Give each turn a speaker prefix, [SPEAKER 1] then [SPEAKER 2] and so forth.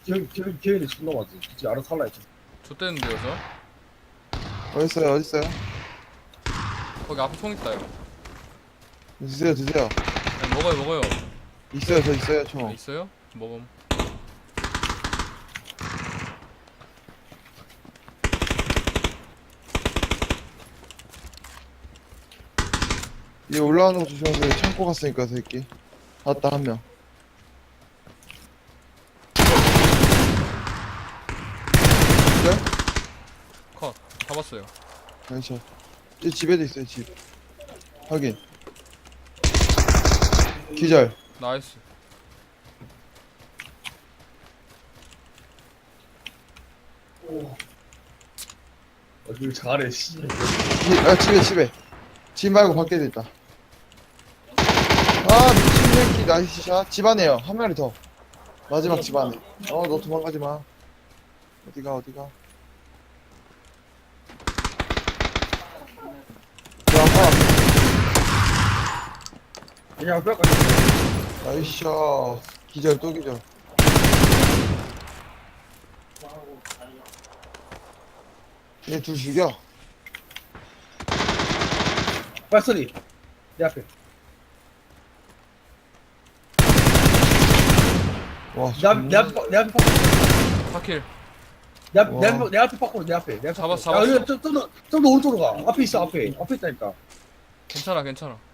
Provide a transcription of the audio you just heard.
[SPEAKER 1] 기회는 지금 넘어왔지. 이제 알아서 살라 했지.
[SPEAKER 2] 좆대는데요 저?
[SPEAKER 3] 어딨어요 어딨어요?
[SPEAKER 2] 거기 앞에 총 있다요.
[SPEAKER 3] 드세요 드세요.
[SPEAKER 2] 네, 먹어요.
[SPEAKER 3] 있어요 저 있어요
[SPEAKER 2] 아,
[SPEAKER 3] 총.
[SPEAKER 2] 있어요? 먹음.
[SPEAKER 3] 얘 올라가는 거 조심하세요. 창고 갔으니까 새끼. 왔다 한 명. 그래?
[SPEAKER 2] 컷. 잡았어요.
[SPEAKER 3] 나이스. 이 집에도 있어요 집. 확인. 기절.
[SPEAKER 2] 나이스.
[SPEAKER 1] 어딜 잘해, 씨.
[SPEAKER 3] 집에. 집 말고 밖에도 있다. 아 미친 새끼 나이스 샷. 집 안에요. 한 마리 더. 마지막 집 안에. 너 도망가지 마. 어디가. 야,
[SPEAKER 1] 그냥 뺄까?
[SPEAKER 3] 나이스 샷. 기절 또 기절. 얘 둘 죽여.
[SPEAKER 1] 발소리. 내 앞에.
[SPEAKER 3] 와,
[SPEAKER 1] 내 앞에 파쿠.
[SPEAKER 2] 파킬.
[SPEAKER 1] 내 앞에 파쿠, 내 앞에.
[SPEAKER 2] 잡았어.
[SPEAKER 1] 야, 좀더 오른쪽으로 가. 앞에 있어, 앞에. 앞에 있다니까.
[SPEAKER 2] 괜찮아.